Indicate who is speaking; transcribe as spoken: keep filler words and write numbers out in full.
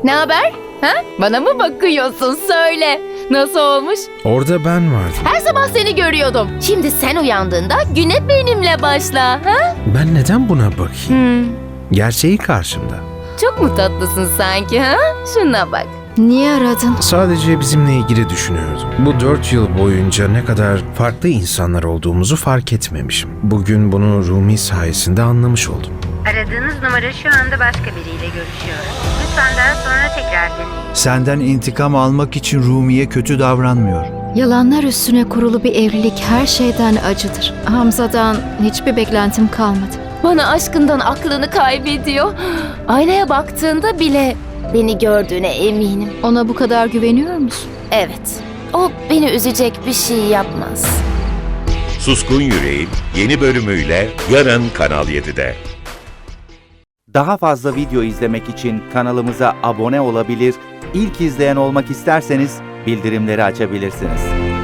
Speaker 1: Ne haber? Ha? Bana mı bakıyorsun? Söyle. Nasıl olmuş?
Speaker 2: Orada ben vardım.
Speaker 1: Her sabah seni görüyordum. Şimdi sen uyandığında güne benimle başla. Ha?
Speaker 2: Ben neden buna bakayım?
Speaker 1: Hmm.
Speaker 2: Gerçeği karşımda.
Speaker 1: Çok mu tatlısın sanki ha? Şuna bak.
Speaker 3: Niye aradın?
Speaker 2: Sadece bizimle ilgili düşünüyordum. Bu dört yıl boyunca ne kadar farklı insanlar olduğumuzu fark etmemişim. Bugün bunu Rumi sayesinde anlamış oldum.
Speaker 4: Aradığınız numara şu anda başka biriyle görüşüyor. Lütfen daha sonra tekrar deneyin.
Speaker 5: Senden intikam almak için Rumi'ye kötü davranmıyor.
Speaker 3: Yalanlar üstüne kurulu bir evlilik her şeyden acıdır. Hamza'dan hiçbir beklentim kalmadı.
Speaker 1: Bana aşkından aklını kaybediyor. Aynaya baktığında bile beni gördüğüne eminim.
Speaker 3: Ona bu kadar güveniyor musun?
Speaker 1: Evet. O beni üzecek bir şey yapmaz.
Speaker 6: Suskun Yüreğin yeni bölümüyle yarın Kanal yedide.
Speaker 7: Daha fazla video izlemek için kanalımıza abone olabilir, ilk izleyen olmak isterseniz bildirimleri açabilirsiniz.